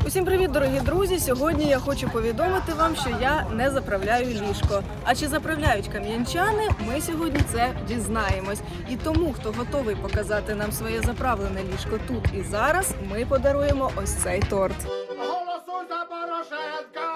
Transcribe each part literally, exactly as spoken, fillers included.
Усім привіт, дорогі друзі! Сьогодні я хочу повідомити вам, що я не заправляю ліжко. А чи заправляють кам'янчани, ми сьогодні це дізнаємось. І тому, хто готовий показати нам своє заправлене ліжко тут і зараз, ми подаруємо ось цей торт. Голосуй за Порошенка!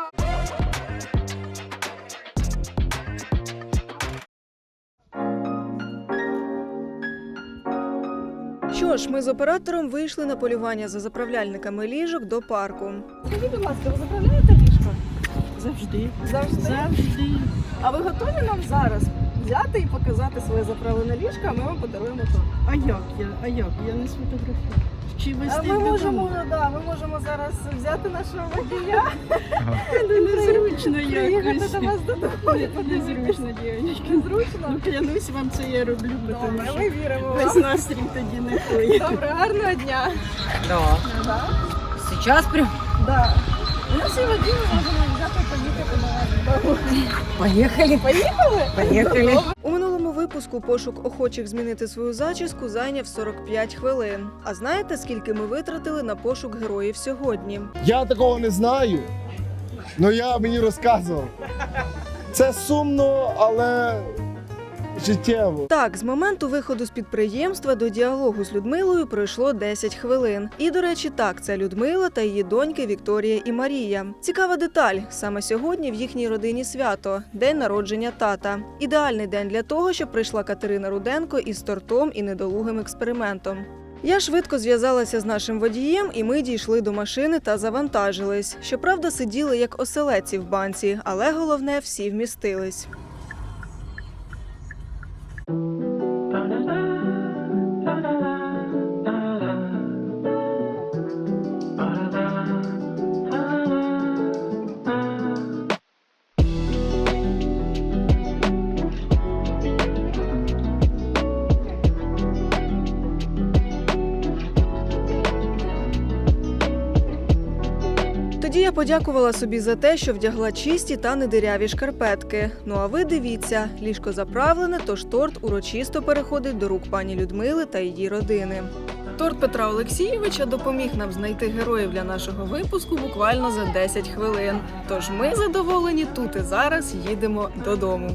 Що ж, ми з оператором вийшли на полювання за заправляльниками ліжок до парку. Скажіть, будь ласка, ви заправляєте ліжко? Завжди. Завжди? Завжди. А ви готові нам зараз взяти і показати своє заправлене ліжко, а ми вам подаруємо торт? А як я? А як? Я не сфотографую. Чи А вести ми можемо, додому? да, ми можемо зараз взяти нашого водія Ну, незручно приїхати якось. до вас додому. Не- Незручно, дівчатки. Незручно? Ну, клянусь вам, це я роблю, тому Добре, що ми віримо весь вам. настрій тоді не той. Добре, гарного дня. Да. Да? Сейчас прям Да. У нас є водій, ми можемо взяти і поїхати до вас додому. поехали. Поїхали? Поїхали. У минулому випуску пошук охочих змінити свою зачіску зайняв сорок п'ять хвилин. А знаєте, скільки ми витратили на пошук героїв сьогодні? Я такого не знаю, але я мені розказував. Це сумно, але життєво. Так, з моменту виходу з підприємства до діалогу з Людмилою пройшло десять хвилин. І, до речі, так, це Людмила та її доньки Вікторія і Марія. Цікава деталь. Саме сьогодні в їхній родині свято – день народження тата. Ідеальний день для того, щоб прийшла Катерина Руденко із тортом і недолугим експериментом. Я швидко зв'язалася з нашим водієм, і ми дійшли до машини та завантажились. Щоправда, сиділи як оселедці в банці, але головне – всі вмістились. Тоді я подякувала собі за те, що вдягла чисті та недиряві шкарпетки. Ну а ви дивіться, ліжко заправлене, тож торт урочисто переходить до рук пані Людмили та її родини. Торт Петра Олексійовича допоміг нам знайти героїв для нашого випуску буквально за десять хвилин. Тож ми задоволені тут і зараз їдемо додому.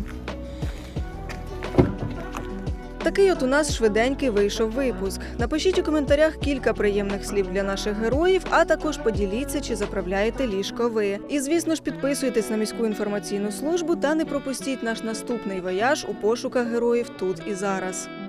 Такий от у нас швиденький вийшов випуск. Напишіть у коментарях кілька приємних слів для наших героїв, а також поділіться, чи заправляєте ліжко ви. І, звісно ж, підписуйтесь на міську інформаційну службу та не пропустіть наш наступний вояж у пошуках героїв тут і зараз.